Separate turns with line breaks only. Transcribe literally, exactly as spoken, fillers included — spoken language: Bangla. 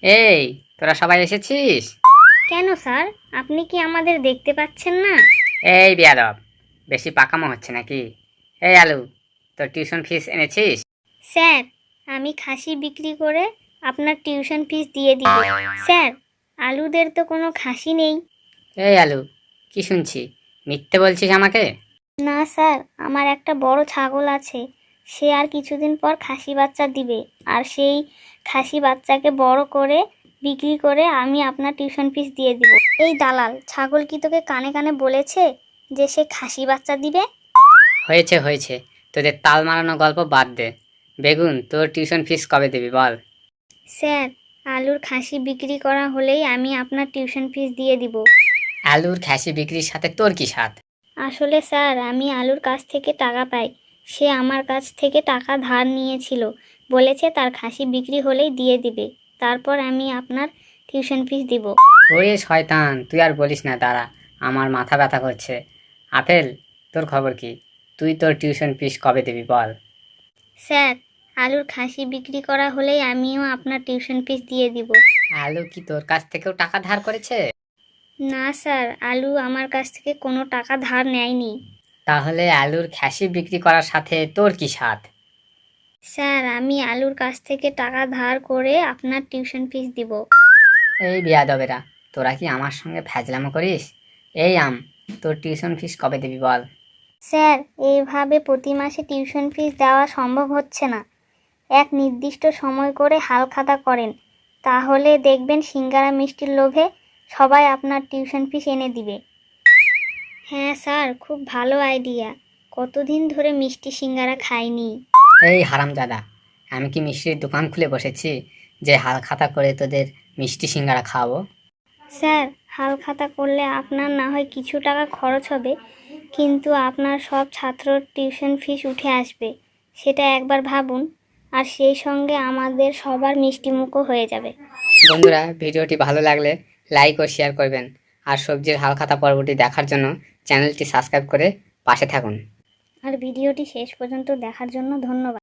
এই, তোরা সবাই এসেছিস?
কেন স্যার, আপনি কি আমাদের দেখতে পাচ্ছেন না?
এই বেয়াদব, বেশি পাকামো হচ্ছে নাকি? এই আলু, তোর টিউশন ফিস এনেছিস?
স্যার, আমি খাসি বিক্রি করে আপনার টিউশন ফিস দিয়ে দিব। স্যার, আলুদের তো কোনো খাসি নেই।
এই আলু, কি শুনছি? মিথ্যে বলছিস আমাকে?
না স্যার, আমার একটা বড় ছাগল আছে। সে আর কিছুদিন পর খাসি বাচ্চা দিবে, আর সেই খাসি বাচ্চাকে বড় করে বিক্রি করে আমি আপনার টিউশন ফিস দিয়ে দিব। এই দালাল, ছাগল কি তোকে কানে কানে বলেছে যে সে খাসি বাচ্চা দিবে?
হয়েছে হয়েছে, তোদের তাল মারানো গল্প বাদ দে। বেগুন, তোর টিউশন ফিস কবে দিবি বল?
স্যার, আলুর খাসি বিক্রি করা হলেই আমি আপনার টিউশন ফিস দিয়ে দিব।
আলুর খাসি বিক্রির সাথে তোর কি সাথ?
আসলে স্যার, আমি আলুর কাছ থেকে টাকা পাই। সে আমার কাছ থেকে টাকা ধার নিয়েছিল, বলেছে তার খাসি বিক্রি হলেই দিয়ে দিবে। তারপর আমি আপনার টিউশন ফিস দিব।
ওরে শয়তান, তুই আর বলিস না, দাঁড়া, আমার মাথা ব্যথা করছে। আপেল, তোর খবর কি? তুই তোর টিউশন ফিস কবে দিবি বল?
স্যার, আলুর খাসি বিক্রি করা হলেই আমিও আপনার টিউশন ফিস দিয়ে দিব।
আলু কি তোর কাছ থেকেও টাকা ধার করেছে?
না স্যার, আলু আমার কাছ থেকে কোনো টাকা ধার নেয়নি।
তাহলে আলুর খাসি বিক্রি করার সাথে তোর কি সাথ?
স্যার, আমি আলুর কাছ থেকে টাকা ধার করে আপনার টিউশন ফিস দিব।
এই বেয়াদবেরা, তোরা কি আমার সঙ্গে ফ্যাজলামো করিস? এই আম, তোর টিউশন ফিস কবে দিবি বল?
স্যার, এইভাবে প্রতি মাসে টিউশন ফিস দেওয়া সম্ভব হচ্ছে না। এক নির্দিষ্ট সময় করে হালখাতা করেন, তাহলে দেখবেন সিঙ্গারা মিষ্টির লোভে সবাই আপনার টিউশন ফিস এনে দিবে। হ্যাঁ স্যার, খুব ভালো আইডিয়া। কতদিন ধরে মিষ্টি সিঙ্গারা খাইনি।
এই হারামজাদা, আমি কি মিষ্টির দোকান খুলে বসেছি যে হাল খাতা করে তোদের মিষ্টি সিঙ্গারা খাওয়াবো?
স্যার, হালখাতা করলে আপনার না হয় কিছু টাকা খরচ হবে, কিন্তু আপনার সব ছাত্রর টিউশন ফিস উঠে আসবে। সেটা একবার ভাবুন, আর সেই সঙ্গে আমাদের সবার মিষ্টিমুখও হয়ে যাবে।
বন্ধুরা, ভিডিওটি ভালো লাগলে লাইক ও শেয়ার করবেন, আর সবজির হাল খাতা পর্বটি দেখার জন্য চ্যানেলটি সাবস্ক্রাইব করে পাশে থাকুন।
আর ভিডিওটি শেষ পর্যন্ত দেখার জন্য ধন্যবাদ।